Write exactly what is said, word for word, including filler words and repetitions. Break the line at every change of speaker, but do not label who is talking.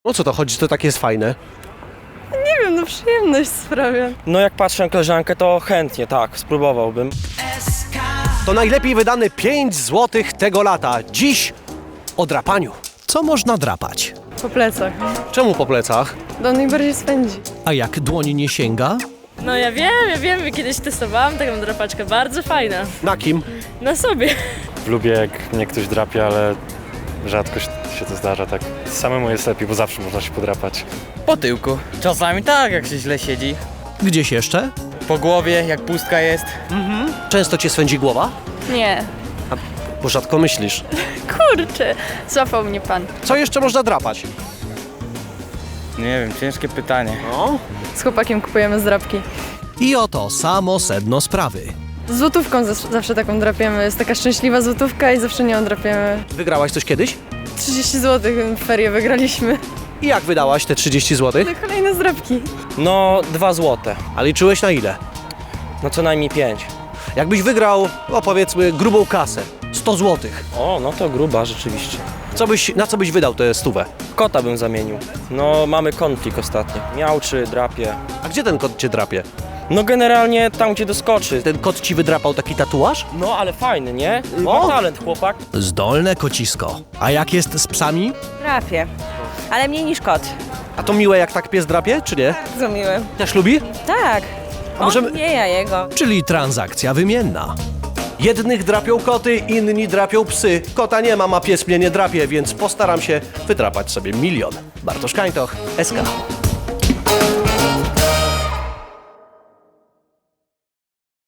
O co to chodzi, to takie jest fajne?
Nie wiem, no przyjemność sprawia.
No jak patrzę na koleżankę, to chętnie, tak, spróbowałbym.
To najlepiej wydane pięć złotych tego lata. Dziś o drapaniu.
Co można drapać?
Po plecach.
Czemu po plecach?
Do mnie bardziej spędzi.
A jak dłoń nie sięga?
No ja wiem, ja wiem, kiedyś testowałam taką drapaczkę, bardzo fajna.
Na kim?
Na sobie.
Lubię, jak mnie ktoś drapie, ale rzadko się to zdarza, tak. Samemu jest lepiej, bo zawsze można się podrapać.
Po tyłku. Czasami tak, jak się źle siedzi.
Gdzieś jeszcze?
Po głowie, jak pustka jest.
Często cię swędzi głowa?
Nie.
Bo rzadko myślisz.
Kurczę, złapał mnie pan.
Co jeszcze można drapać?
Nie wiem, ciężkie pytanie.
No.
Z chłopakiem kupujemy zdrapki.
I oto samo sedno sprawy.
Z złotówką zas- zawsze taką drapiemy. Jest taka szczęśliwa złotówka i zawsze nią drapiemy.
Wygrałaś coś kiedyś?
trzydzieści złotych w ferie wygraliśmy.
I jak wydałaś te trzydzieści złotych?
No kolejne zdrapki.
No, dwa złote.
A liczyłeś na ile?
No co najmniej pięć.
Jakbyś wygrał, no powiedzmy, grubą kasę. sto złotych.
O, no to gruba rzeczywiście.
Co byś, na co byś wydał tę stówę?
Kota bym zamienił. No, mamy konflikt ostatnio. Miałczy, drapie.
A gdzie ten kot cię drapie?
No generalnie tam, gdzie doskoczy.
Ten kot ci wydrapał taki tatuaż?
No, ale fajny, nie?
O!
Ma talent, chłopak.
Zdolne kocisko. A jak jest z psami?
Trafię, ale mniej niż kot.
A to miłe, jak tak pies drapie, czy nie?
Bardzo miły.
Też lubi?
Tak.
A możemy-
On nie, ja jego.
Czyli transakcja wymienna.
Jednych drapią koty, inni drapią psy. Kota nie mam, a pies mnie nie drapie, więc postaram się wydrapać sobie milion. Bartosz Kańtoch, S K.